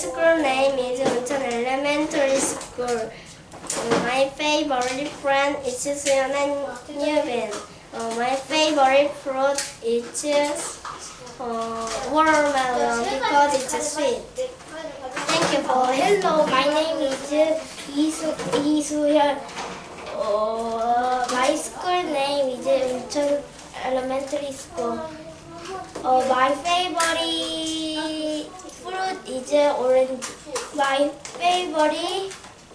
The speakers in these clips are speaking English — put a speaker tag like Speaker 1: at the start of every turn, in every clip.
Speaker 1: school name is Uncheon Elementary School. My favorite friend is Suyeon and Yubin. My favorite fruit is watermelon because it's sweet. Thank you for hello. My name is Lee Suyeon. My school name is Uncheon Elementary School. My favorite fruit is orange. My favorite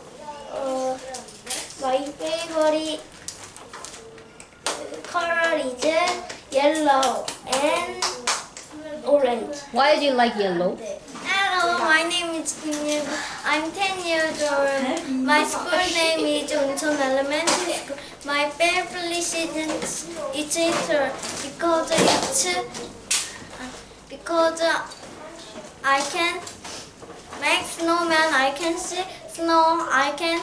Speaker 1: color is yellow and orange.
Speaker 2: Why do you like yellow?
Speaker 1: Hello, my name is Kim Yun. I'm 10 years old. My school name is Uncheon Elementary School. My favorite season is Easter because I can make snowman. I can see snow. I can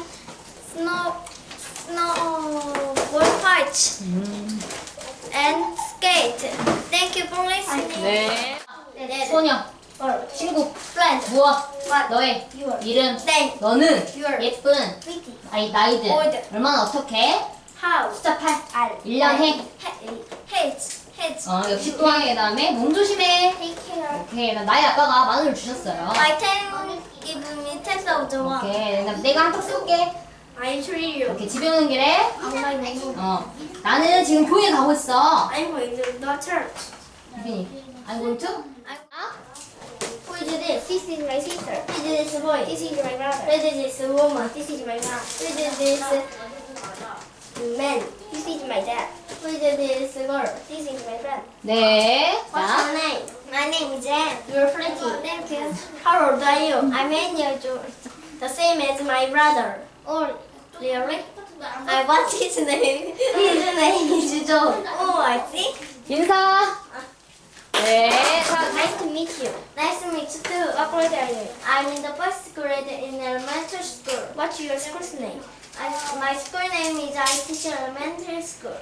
Speaker 1: snowball fight and skate. Thank you for listening.
Speaker 2: 네.
Speaker 1: 네.
Speaker 2: 소녀, 친구, 무엇, 너의 이름, 너는 예쁜 나이들, 얼마나 어떻게?
Speaker 1: How?
Speaker 2: 숫자 8, 1년 해.
Speaker 1: Heads.
Speaker 2: 역시 또한 그 다음에 몸 조심해.
Speaker 1: Take care.
Speaker 2: 오케이, 나의 아빠가 만원을 주셨어요.
Speaker 1: My ten give me 10,000 won.
Speaker 2: 오케이, 내가 한턱 쏠게.
Speaker 1: I treat you.
Speaker 2: 이렇게 집에 오는 길에
Speaker 1: I'm
Speaker 2: 나는 지금 교회 가고 있어.
Speaker 1: going to the church.
Speaker 2: 유빈이, I'm going to?
Speaker 1: Who is this? This is my sister. Who is this boy? This is my brother. Who is this woman? This is my mom. Who is this man? This is my dad. Who is this girl? This is my friend.
Speaker 2: 네.
Speaker 1: What's
Speaker 2: 자,
Speaker 1: your name? My name is Jen. You're pretty. Thank you. How old are you? I'm 8 years old. The same as my brother. Oh, really? What's his name? His name is John. Oh, I see.
Speaker 2: 인사. 네. 자,
Speaker 1: Nice to meet you. Nice to meet you too. What grade are you? I'm in the first grade in elementary school. What's your school's name? My school name is ITC Elementary School.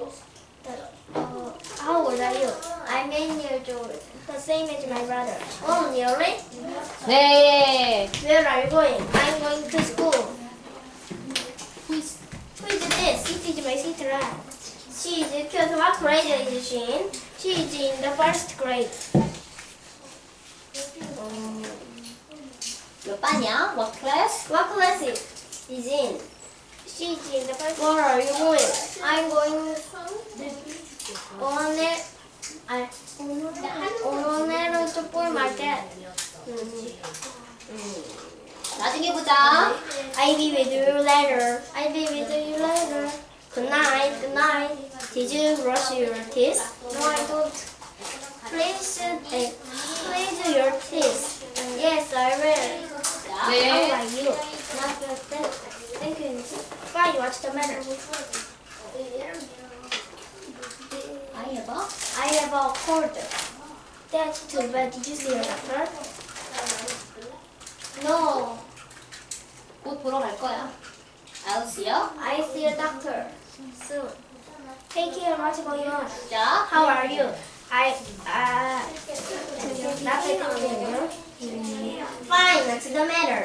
Speaker 1: How old are you? I'm 8 years old. The same as my brother. Oh, really?
Speaker 2: 네.
Speaker 1: Where are you going? I'm going to school. Who is this? This is my sister. She is cute. What grade is she in? She is in the first grade.
Speaker 2: 몇 반이야? What class?
Speaker 1: What class is in? She is in the first. Where are you going? I'm going 오늘은 슈퍼마켓.
Speaker 2: 나중에 보자.
Speaker 1: I'll be with you later. I'll be with you later. Good night. Good night. Did you brush your teeth? No, I don't. Please your teeth. Yes, I will. How
Speaker 2: 네.
Speaker 1: are you? Thank you. Fine. What's the matter? I have a cold. That's too bad. Did you see your doctor? No.
Speaker 2: 곧 보러 갈 거야. I'll see you.
Speaker 1: I see a doctor soon. Take care. What's going on?
Speaker 2: 자,
Speaker 1: How are you? Fine. What's the matter?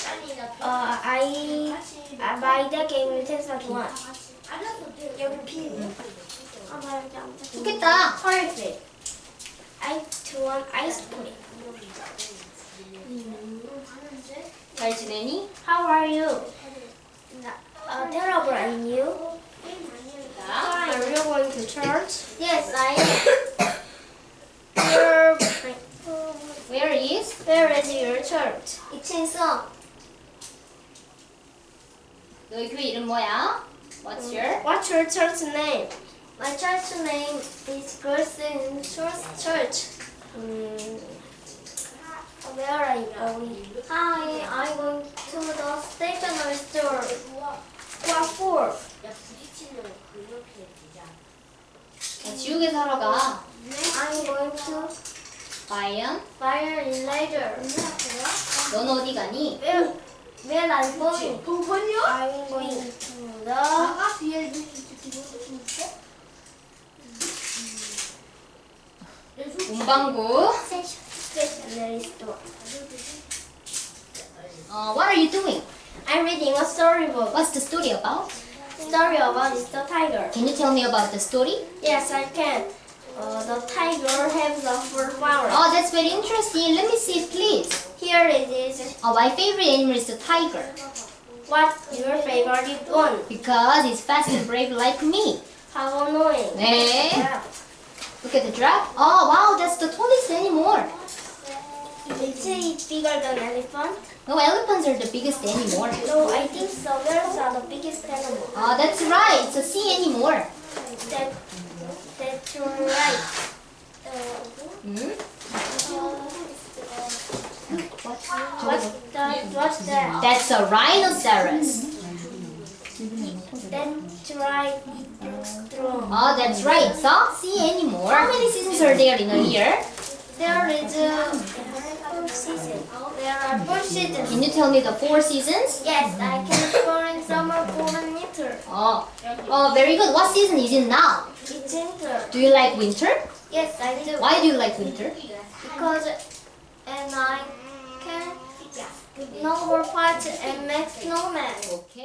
Speaker 1: I buy the game with 10,000. 여기 피.
Speaker 2: 좋겠다.
Speaker 1: Perfect. I want ice cream.
Speaker 2: 잘 지내니?
Speaker 1: How are you? Terrible, and you?
Speaker 2: 자,
Speaker 1: Are you going to church? Yes, I am.
Speaker 2: where is?
Speaker 1: Where is your church? It's in Seoul.
Speaker 2: 너희 교회 이름 뭐야? What's your?
Speaker 1: What's your church name? My church name is Girls in Church. Where are you going? Hi, I'm going to the stationery store. What for?
Speaker 2: 지옥에서 하러 가.
Speaker 1: I'm going to
Speaker 2: 과연?
Speaker 1: fire in later.
Speaker 2: 넌 어디 가니?
Speaker 1: Where are you going? I'm going to the
Speaker 2: 문방구.
Speaker 1: stationery store.
Speaker 2: What are you doing?
Speaker 1: I'm reading a storybook.
Speaker 2: What's the story about?
Speaker 1: Story about Mr. Tiger.
Speaker 2: Can you tell me about the story?
Speaker 1: Yes, I can. The tiger has a fur flower.
Speaker 2: Oh, that's very interesting. Let me see it, please.
Speaker 1: Here it is.
Speaker 2: Oh, my favorite animal is the tiger
Speaker 1: What's your favorite one?
Speaker 2: because it's fast and brave like me.
Speaker 1: How annoying.
Speaker 2: 네.
Speaker 1: Yeah.
Speaker 2: Look at the giraffe. Oh, wow, that's the tallest animal.
Speaker 1: Is it bigger than elephant?
Speaker 2: No, elephants are the biggest animal.
Speaker 1: No, I think so. Whales are the biggest animal.
Speaker 2: Oh, that's right. It's a sea animal.
Speaker 1: That's right.
Speaker 2: Hmm?
Speaker 1: What's that?
Speaker 2: That's a rhinoceros.
Speaker 1: That's right. It looks strong.
Speaker 2: Oh, that's right. It's a sea animal. How many seasons are there in a year?
Speaker 1: There is a 4 seasons. There are 4 seasons.
Speaker 2: Can you tell me the 4 seasons?
Speaker 1: Yes, I can spring, summer, fall, and winter.
Speaker 2: Oh, very good. What season is it now?
Speaker 1: It's winter.
Speaker 2: Do you like winter?
Speaker 1: Yes, I do.
Speaker 2: Why do you like winter?
Speaker 1: Because I can snowboard party and make snowman.
Speaker 2: Okay.